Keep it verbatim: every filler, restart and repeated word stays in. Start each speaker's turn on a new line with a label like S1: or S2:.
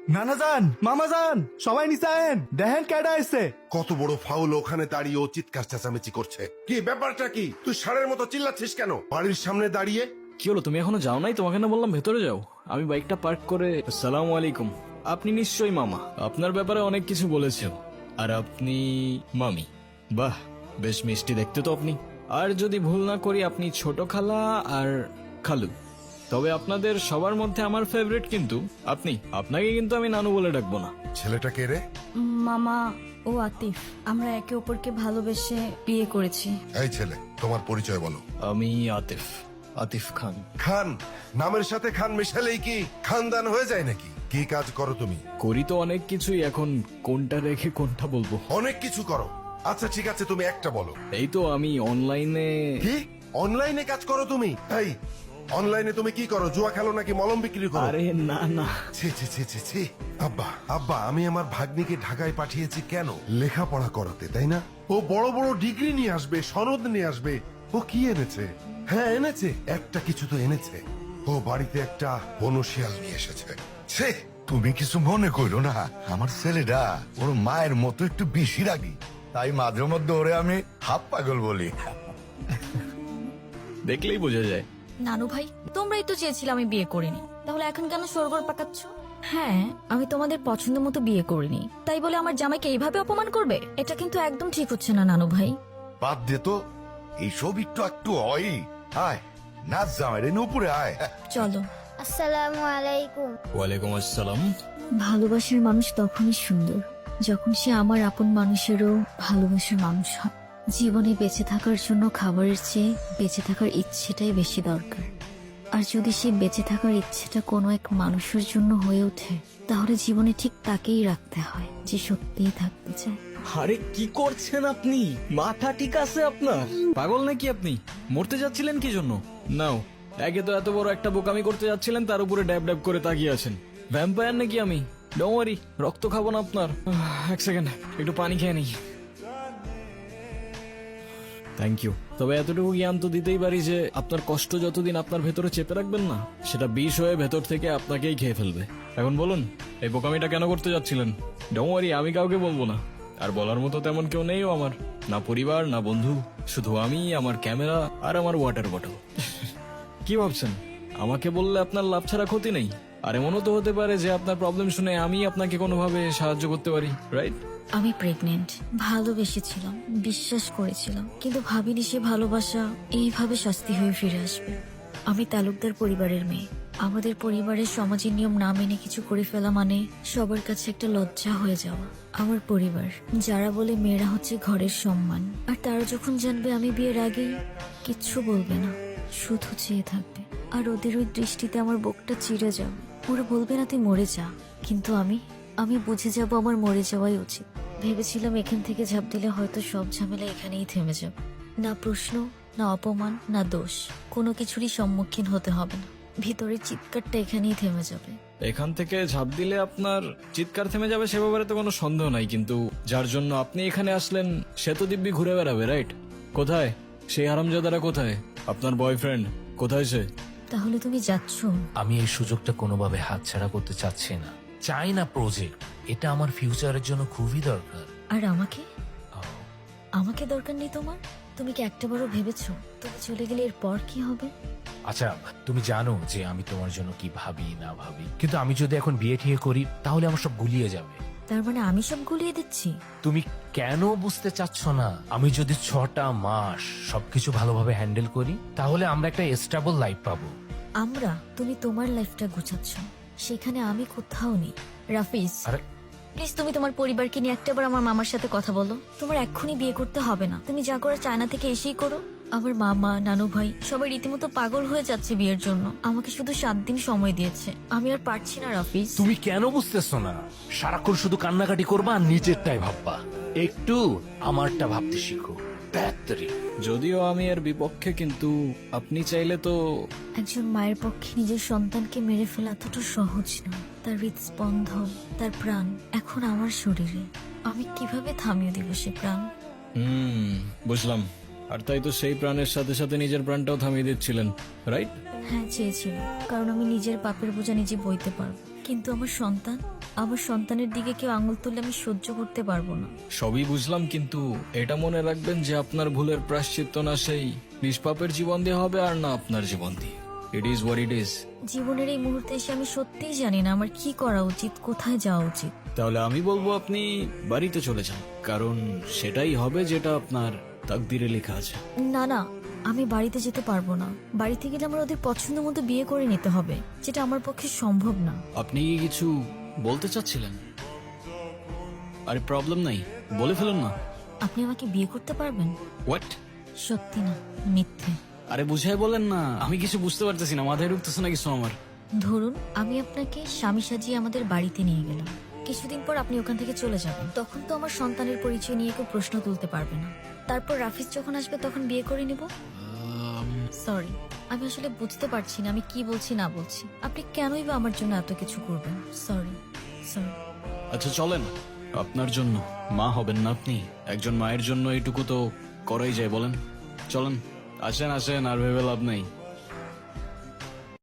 S1: নানা যান, মামা যান, সবাই নিচে আয়েন, দেখেন কেডা আইছে।
S2: কত বড় ফাউল, ওখানে দাঁড়িয়ে ও চিৎকার চেঁচামেচি করছে। কি ব্যাপারটা কি? তুই ষাঁড়ের মতো চিল্লাচ্ছিস কেন বাড়ির সামনে দাঁড়িয়ে?
S3: কি হলো, তুমি এখনো যাও নাই? তোমাকে না বললাম ভেতরে যাও। আমি বাইকটা পার্ক করে। আসসালামু আলাইকুম। আপনি নিশ্চয়ই মামা, আপনার ব্যাপারে অনেক কিছু বলেছেন। আর আপনি মামি। বাহ, বেশ মিষ্টি দেখতে তো আপনি। আর যদি ভুল না করি আপনি ছোট খালা আর খালু। তবে আপনাদের সবার মধ্যে আমার ফেভারিট কিন্তু আপনি। আপনাকে কিন্তু আমি নানু বলে ডাকবো না।
S2: ছেলেটা কে রে?
S4: মামা ও আতিফ, আমরা একে অপরকে ভালোবেসে বিয়ে করেছি।
S2: এই ছেলে, তোমার পরিচয় বলো।
S3: আমি আতিফ, আতিফ খান।
S2: খান? নামের সাথে খান মেশালেই কি খানদান হয়ে যায় নাকি? কি কাজ করো তুমি?
S3: করি তো অনেক কিছুই, এখন কোনটা রেখে কোনটা বলবো?
S2: অনেক কিছু করো। আচ্ছা ঠিক আছে, তুমি একটা বলো।
S3: এই তো আমি অনলাইনে।
S2: কি অনলাইনে কাজ করো তুমি? এই অনলাইনে তুমি কি করো? জুয়া খেলো নাকি মলম বিক্রি করো?
S3: আরে না না,
S2: ছি ছি ছি ছি ছি। আব্বা আব্বা, আমি আমার ভাগ্নিকে ঢাকায় পাঠিয়েছি কেন? লেখাপড়া করাতে, তাই না? ও বড় বড় ডিগ্রি নিয়ে আসবে, সনদ নিয়ে আসবে। ও কি এনেছে? হ্যাঁ এনেছে, একটা কিছু তো এনেছে। ও বাড়িতে একটা বনশিয়াল নিয়ে এসেছে। ছি।
S5: তুমি কিছু মনে করো না, আমার ছেলেটা ওর মায়ের মতো একটু বেশি রাগি, তাই মাঝে মধ্যে ওরে আমি হাফ পাগল বলি।
S3: দেখলেই বোঝা যায়।
S4: নানু ভাই, তোমরাই তো চেয়েছিলে আমি বিয়ে করিনি, তাহলে এখন কেন সরগর পাকাচ্ছ? হ্যাঁ, আমি তোমাদের পছন্দ মতো বিয়ে করিনি, তাই বলে আমার জামাইকে এইভাবে অপমান করবে? এটা কিন্তু একদম ঠিক হচ্ছে না নানু ভাই।
S5: বাদ দে তো, এইসব একটু একটু হয়। আয় নাচ জামাই উপরে আয়।
S4: চলো।
S6: আসসালামু আলাইকুম।
S3: ওয়ালাইকুম আসসালাম।
S4: ভালোবাসার মানুষ তখনই সুন্দর যখন সে আমার আপন মানুষেরও ভালোবাসার মানুষ হয়। জীবনে বেঁচে থাকার জন্য খাবারের চেয়ে বেঁচে থাকার ইচ্ছেটাই বেশি দরকার। আর যদি সে বেঁচে থাকার ইচ্ছেটা কোনো এক মানুষের জন্য হয়ে ওঠে, তাহলে জীবনে ঠিক তাকেই রাখতে হয় যে সত্যিই থাকতে চায়।
S3: আরে কি করছেন আপনি? মাথা ঠিক আছে আপনার? পাগল নাকি আপনি? মরতে যাচ্ছিলেন কি জন্য? নাও, একে তো এত বড় একটা বোকামি করতে যাচ্ছিলেন, তার উপরে ড্যাব ড্যাব করে তাকিয়ে আছেন। ভ্যাম্পায়ার নাকি আমি? ডোন্ট ওয়ারি, রক্ত খাবো না আপনার। আহ, এক সেকেন্ড, একটু পানি খেয়ে নিই। Thank you. তবে এতটুকু জ্ঞান তো দিতেই পারি যে আপনার কষ্ট যতদিন আপনার ভেতরে চেপে রাখবেন না, সেটা বিষ হয়ে ভেতর থেকে আপনাকেই খেয়ে ফেলবে। এখন বলুন, এই বোকামিটা কেন করতে যাচ্ছিলেন? ডোন্ট ওয়ারি, আমি কাউকে বলবো না। আর বলার মতো তেমন কেউ নেই আমার, না পরিবার না বন্ধু, শুধু আমি, আমার ক্যামেরা আর আমার ওয়াটার বটল। কি ভাবছেন আমাকে বললে আপনার লাভ ছাড়া ক্ষতি নেই? আর এমনও তো হতে পারে যে আপনার প্রবলেম শুনে আমি আপনাকে কোনোভাবে সাহায্য করতে পারি, রাইট?
S4: আমি প্রেগনেন্ট, ভালোবেসেছিলাম, বিশ্বাস করেছিলাম, কিন্তু ভাবিনি সে ভালোবাসা এইভাবে শাস্তি হয়ে ফিরে আসবে। আমি তালুকদার পরিবারের মেয়ে। আমাদের পরিবারের সমাজের নিয়ম না মেনে কিছু করে ফেলা মানে সবার কাছে একটা লজ্জা হয়ে যাওয়া। আমার পরিবার যারা বলে মেয়েরা হচ্ছে ঘরের সম্মান, আর তারা যখন জানবে আমি বিয়ের আগেই কিচ্ছু বলবে না, শুধু চেয়ে থাকবে। আর ওদের ওই দৃষ্টিতে আমার বুকটা চিড়ে যাবে। ওরা বলবে না তুই মরে যা, কিন্তু আমি আমি বুঝে যাব আমার মরে যাওয়াই উচিত। ভেবেছিলাম এখান থেকে ঝাঁপ দিলে হয়তো সব ঝামেলা এখানেই থেমে যাবে। না প্রশ্ন, না অপমান, না দোষ, কোনো কিছুরই সম্মুখীন হতে হবে না। ভিতরের চিৎকারটা এখানেই থেমে যাবে।
S3: এখান থেকে ঝাঁপ দিলে আপনার চিৎকার থেমে যাবে সে ব্যাপারে তো কোনো সন্দেহ নাই, কিন্তু যার জন্য আপনি এখানে আসলেন সে তো দিব্যি ঘুরে বেড়াবে, রাইট? কোথায় সেই হারামজাদারা? কোথায় আপনার বয়ফ্রেন্ড? কোথায় সে?
S4: তাহলে তুমি যাচ্ছ?
S7: আমি এই সুযোগটা কোনোভাবে হাতছাড়া করতে চাচ্ছি না। চাই না প্রজেক্ট, এটা আমার ফিউচারের জন্য খুবই দরকার।
S4: আর আমাকে? আমাকে দরকার নেই তোমার? তুমি কি একটাবারও ভেবেছো তুমি চলে গেলে এরপর কি হবে?
S7: আচ্ছা, তুমি জানো যে আমি তোমার জন্য কি ভাবি না ভাবি, কিন্তু আমি যদি এখন বিয়ে ঠিয়ে করি তাহলে আমার সব গুলিয়ে যাবে।
S4: তার মানে আমি সব গুলিয়ে দিচ্ছি?
S7: তুমি কেন বুঝতে চাচ্ছ না? আমি যদি ছটা মাস সবকিছু ভালোভাবে হ্যান্ডেল করি তাহলে আমরা একটা স্টেবল লাইফ পাবো।
S4: আমরা? তুমি তোমার লাইফটা গুছাচ্ছ, সেখানে আমি কোথাও নেই। রাফিজ,
S7: আরে
S4: প্লিজ তুমি তোমার পরিবারকে নিয়ে একটাবার আমার মামার সাথে কথা বলো। তোমার এক্ষুনি বিয়ে করতে হবে না, তুমি যা করো চায়না থেকে এসেই করো। আমার মামা, নানু ভাই সবাই রীতিমতো পাগল হয়ে যাচ্ছে বিয়ের জন্য। আমাকে শুধু সাত দিন সময় দিয়েছে, আমি আর পারছি না রাফিজ।
S7: তুমি কেন বুঝতেছো না? সারাক্ষণ শুধু কান্নাকাটি করবা আর নিজেরটাই ভাববা। একটু আমারটা ভাবতে শিখো। ব্যাটারি
S3: যদিও আমি এর বিপক্ষে, কিন্তু আপনি চাইলে তো।
S4: একজন মায়ের পক্ষে নিজের সন্তানকে মেরে ফেলা এতটা সহজ না। তার হৃদস্পন্দন, তার প্রাণ এখন আমার শরীরে। আমি কিভাবে থামিয়ে দিব সে প্রাণ?
S3: হুম, বুঝলাম। আর তাই তো সেই প্রাণের সাথে সাথে নিজের প্রাণটাও থামিয়ে দিচ্ছিলেন, রাইট?
S4: হ্যাঁ চেয়েছিল, কারণ আমি নিজের পাপের বোঝা নিজে বইতে পারবো, কিন্তু আমার সন্তান, আমার সন্তানের দিকে কেউ আঙুল তুললে আমি সহ্য করতে পারবো না।
S3: সবই বুঝলাম, কিন্তু এটা মনে রাখবেন যে আপনার ভুলের প্রায়শ্চিত্ত না সেই নিষ্পাপের জীবন দিয়ে হবে আর না আপনার জীবন দিয়ে। It is what it is.
S4: জীবনের এই মুহূর্তে এসে আমি সত্যিই জানি না আমার কি করা উচিত, কোথায় যাওয়া উচিত।
S3: তাহলে আমি বলবো আপনি বাড়িতে চলে যান, কারণ সেটাই হবে যেটা আপনার তাকদিরে লেখা আছে।
S4: না না, আমি বাড়িতে যেতে পারবো না। বাড়িতে গেলে আমার ওদের পছন্দ মতো বিয়ে করে নিতে হবে, যেটা আমার পক্ষে সম্ভব না।
S3: আপনি কি কিছু বলতে চাচ্ছিলেন? আরে প্রবলেম নাই, বলে ফেলুন না।
S4: আপনি আমাকে বিয়ে করতে পারবেন?
S3: হোয়াট?
S4: সত্যি না, মিথ্যে।
S3: আরে বুঝাই বলেন না, আমি কিছু বুঝতে পারতেছি না, মাথায় ঢুকতেছে না কিছু আমার।
S4: ধরুন আমি আপনাকে স্বামী সাজিয়ে আমাদের বাড়িতে নিয়ে গেলাম, কিছুদিন পর আপনি ওখান থেকে চলে যাবেন, তখন তো আমার সন্তানের পরিচয় নিয়ে কেউ প্রশ্ন তুলতে পারবে না। তারপর রাফিজ যখন আসবে তখন বিয়ে করে নিব। সরি, আমি আসলে বুঝতে পারছি না আমি কি বলছি না বলছি। আপনি কেনই বা আমার জন্য এত কিছু করবেন? Sorry sorry.
S3: আচ্ছা চলেন, আপনার জন্য মা হবেন না আপনি, একজন মায়ের জন্য এইটুকু তো করাই যায় বলেন। চলেন, আসেন আসেন, আর ভেবে লাভ নেই।